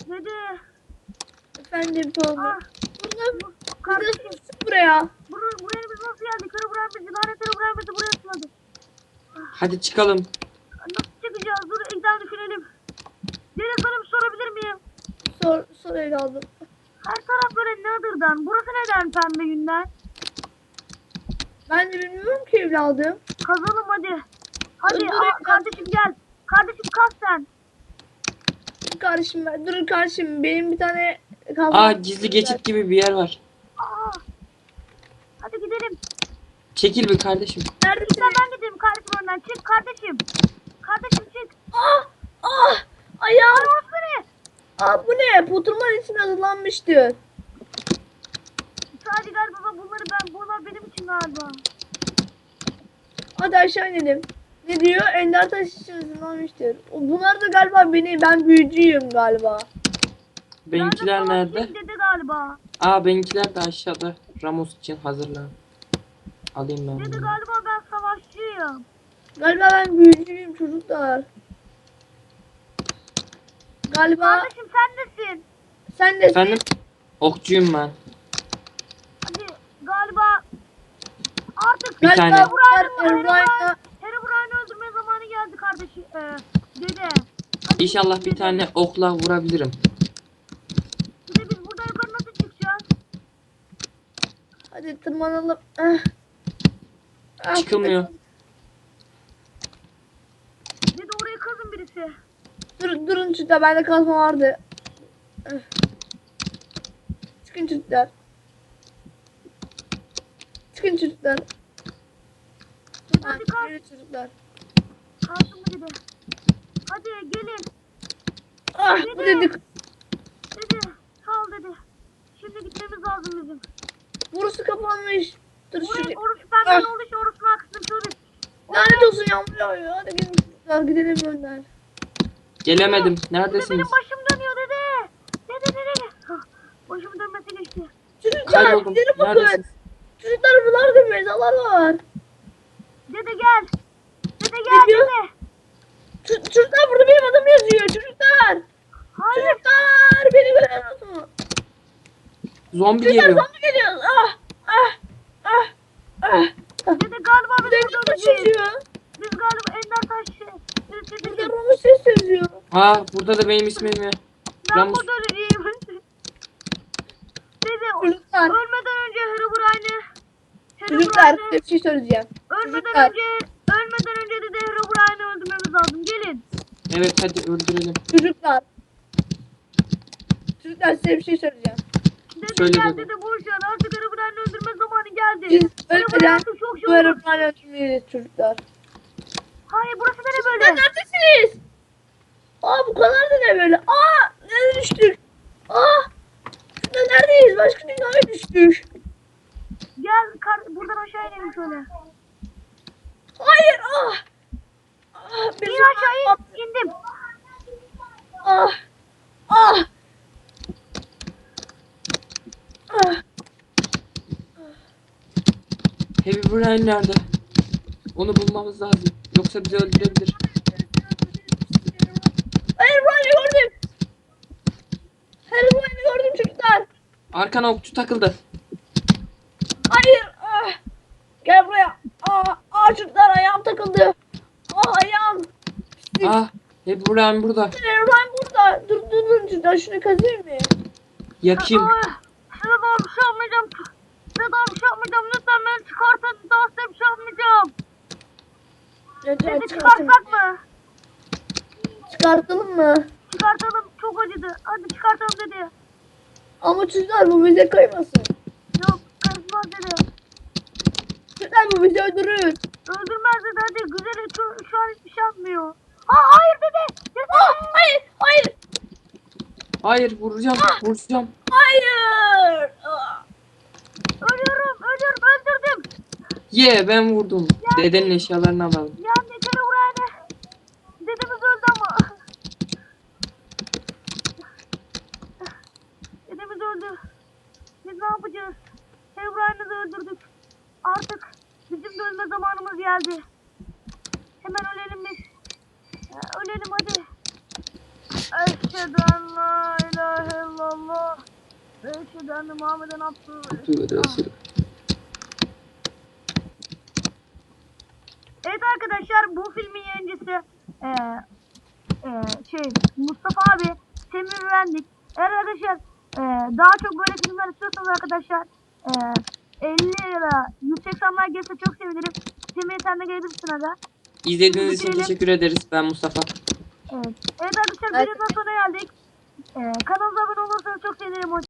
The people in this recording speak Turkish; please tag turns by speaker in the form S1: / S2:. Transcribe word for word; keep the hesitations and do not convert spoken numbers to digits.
S1: Dede.
S2: Efendim Tolga.
S1: Ah.
S2: Burada
S1: Bu,
S2: biz
S1: kardeşim.
S2: nasıl düştük buraya?
S1: Buraya, buraya biz nasıl geldik? Kara buraya bizi. Lanet kara buraya bizi buraya sınadı.
S3: Hadi çıkalım.
S1: Nasıl çıkacağız? Dur ilden düşünelim. Dede sana bir sorabilir miyim?
S2: Sor, sor evladım.
S1: Her taraf böyle Nether'dan. Burası neden pembe yünden?
S2: Ben de bilmiyorum ki evladım.
S1: Kazalım hadi. Hadi
S2: Dur, dur,
S1: aa,
S2: evladım.
S1: kardeşim gel. Kardeşim kalk sen.
S2: Dur kardeşim ben. Dur kardeşim benim bir tane kazma.
S3: Aa, gizli geçit gibi bir yer var.
S1: Aa. Hadi gidelim.
S3: Çekil bir kardeşim.
S2: Neredesin?
S1: Sen ben gideyim kardeşim önden. Çık kardeşim. Kardeşim çık.
S2: Ah! Ah! Ayağım!
S1: Ay orası ne?
S2: Ah bu ne? Poturman için hazırlanmıştı.
S1: Sadece galiba bunları ben, bunlar benim için galiba.
S2: Hadi aşağı inelim. Ne diyor? Ender taş için hazırlanmıştır. O- Bunlar da galiba beni, ben büyücüyüm galiba.
S3: Benimkiler
S1: Ben de
S3: nerede?
S1: savaşçıyım dedi galiba.
S3: Aa, benimkiler de aşağıda. Ramos için hazırlan. Alayım ben
S1: Dedi
S3: bunu.
S1: galiba ben savaşçıyım.
S2: Galiba ben büyücüyüm çocuklar. Galiba
S1: Kardeşim sen nesin?
S2: sen de
S3: Efendim? Okçuyum ben.
S1: Hadi galiba artık
S3: Bir
S2: galiba
S3: tane.
S2: bunlar
S1: Herobrine,
S2: Herobrine'la
S1: Herobrine'i öldürme zamanı geldi kardeşim. Ee, dede. Hadi
S3: İnşallah
S1: git
S3: bir
S1: dede.
S3: tane okla vurabilirim.
S1: Dede biz buradan yukarı nasıl çıkacağız?
S2: hadi tırmanalım. Ah. Ah,
S3: Çıkılmıyor.
S1: Dede orayı kazın birisi.
S2: Dur, durun çocuklar bende kazma vardı. Ah. Çıkın çocuklar. Çıkın çocuklar.
S1: Dede
S2: Ah,
S1: hadi kaz.
S2: yürü çocuklar.
S1: Kazdın mı dede? Hadi gelin.
S2: Ah bu dedik.
S1: Dede sağ ol dede. Şimdi gitmemiz lazım bizim.
S2: Burası kapanmış. Dur
S1: Oraya,
S2: şuraya.
S1: orası pembe
S2: Ah.
S1: olduğu için orasını aksın şöyle.
S2: Lanet olsun yağmur yağıyor. Hadi gelin çocuklar gidelim önden.
S3: Gelemedim.
S1: Dede
S3: Neredesiniz?
S1: benim başım dönüyor dede. Dede dede. Hah, başım dönmesi geçti.
S2: Çocuklar
S3: Kayboldum.
S2: gidelim bakın.
S3: Neredesiniz?
S2: Çocuklar buralarda mezarlar var.
S1: Dede gel. Dede gel
S2: diyor?
S1: dede.
S2: Ç- çocuklar burada benim adım yazıyor. Çocuklar.
S1: Hayır.
S2: Çocuklar beni görüyor musunuz?
S3: Zombi
S2: Çocuklar
S3: geliyor.
S2: zombi geliyor. Ah ah ah ah.
S1: Dede galiba biz
S2: Burada
S1: burada
S2: Ender taş
S1: öleceğiz.
S2: yazıyor.
S1: Biz galiba Ender taş şey. Dede
S2: Burada
S1: dedeciğim.
S2: Ramos ses yazıyor.
S3: Aa, burada da benim ismim ya.
S1: Ben
S3: Ramus.
S1: burada öleceğim. Dede
S2: Çocuklar.
S1: ölmeden önce Herobrine'i.
S2: Çocuklar
S1: Herobrine'i.
S2: size bir şey söyleyeceğim.
S1: Ölmeden
S2: Çocuklar.
S1: önce ölmeden önce dede Herobrine'i öldürmemiz lazım. Gelin.
S3: Evet, hadi öldürelim.
S2: Çocuklar. Çocuklar size bir şey söyleyeceğim.
S1: Dede
S3: Söyle
S1: gel
S3: dede.
S1: dede boş ver. Artık Herobrine'i öldürme zamanı geldi.
S2: Biz
S1: Herobrine
S2: ölmeden
S1: artık çok şey
S2: bu
S1: olur.
S2: aeroplanı öldürmeyiz çocuklar.
S1: Hayır burası nere
S2: Çocuklar
S1: böyle?
S2: neredesiniz? Aa bu kadar da ne böyle? Aa nereye düştük? Aa şurada neredeyiz? Başka dünyaya düştük.
S1: Gel kar buradan aşağı inelim şöyle.
S2: Hayır ah. Ah
S1: İn
S2: bir
S1: aşağı in. İndim.
S2: Ah. Ah. Ah.
S3: Herobrine nerede? Onu bulmamız lazım. Yoksa bizi öldürebilir.
S2: Herobrine'i gördüm. Herobrine'i gördüm çocuklar.
S3: Arkana okçu takıldı.
S2: Hayır. Ah. Gel buraya. Aa, aa çocuklar ayağım takıldı. Aa ayağım. Pislik.
S3: Ah, Herobrine burada.
S2: Herobrine burada. Dur dur dur çocuklar şunu kazıyım mı?
S3: Yakayım.
S1: Ay, size daha bir şey yapmayacağım. Size daha bir şey yapmayacağım. Lütfen beni çıkartın. Daha size bir şey yapmayacağım.
S2: Lütfen
S1: Dede
S2: çıkartın.
S1: çıkartsak mı?
S2: Çıkartalım mı?
S1: Çıkartalım. Çok acıdı. Hadi çıkartalım dedi.
S2: Ama çocuklar bu bize kaymasın.
S1: Yok karışmaz dedi.
S2: Çocuklar bu bizi öldürür.
S1: Öldürmez dedi. Hadi güzel. Şu, şu an hiçbir şey yapmıyor. Ha hayır dedi. Dede.
S2: Ah, hayır hayır
S3: Hayır, vuracağım. Vuracağım.
S2: hayır. Ah.
S1: Ölüyorum. Ölüyorum. Öldürdüm.
S3: Ye, ben vurdum. Dedenin eşyalarını alalım.
S1: Yani yeter buraya. Dedemiz öldü ama. Dedemiz öldü. Biz ne yapacağız? Herobrine'i de öldürdük. Artık bizim de ölme zamanımız geldi. Hemen ölelim biz. Ya, ölelim hadi. Eşhedü en la ilahe Ve eşhedü enne Muhammeden abdühü ve
S3: Tövbe de
S1: resulüh.
S3: Resulü.
S1: Evet arkadaşlar, bu filmin yayıncısı e, e, şey Mustafa abi, Semih Mühendis. Eğer arkadaşlar e, daha çok böyle filmler istiyorsanız arkadaşlar e, elli ya da yüz seksenler gelse çok sevinirim. Semih sen de gelebilirsin aga.
S3: İzlediğiniz için
S1: Bitirelim.
S3: teşekkür ederiz. Ben Mustafa.
S1: Evet. Evet arkadaşlar,
S2: Evet.
S1: videonun sonuna geldik. E, kanalımıza abone olursanız çok sevinirim.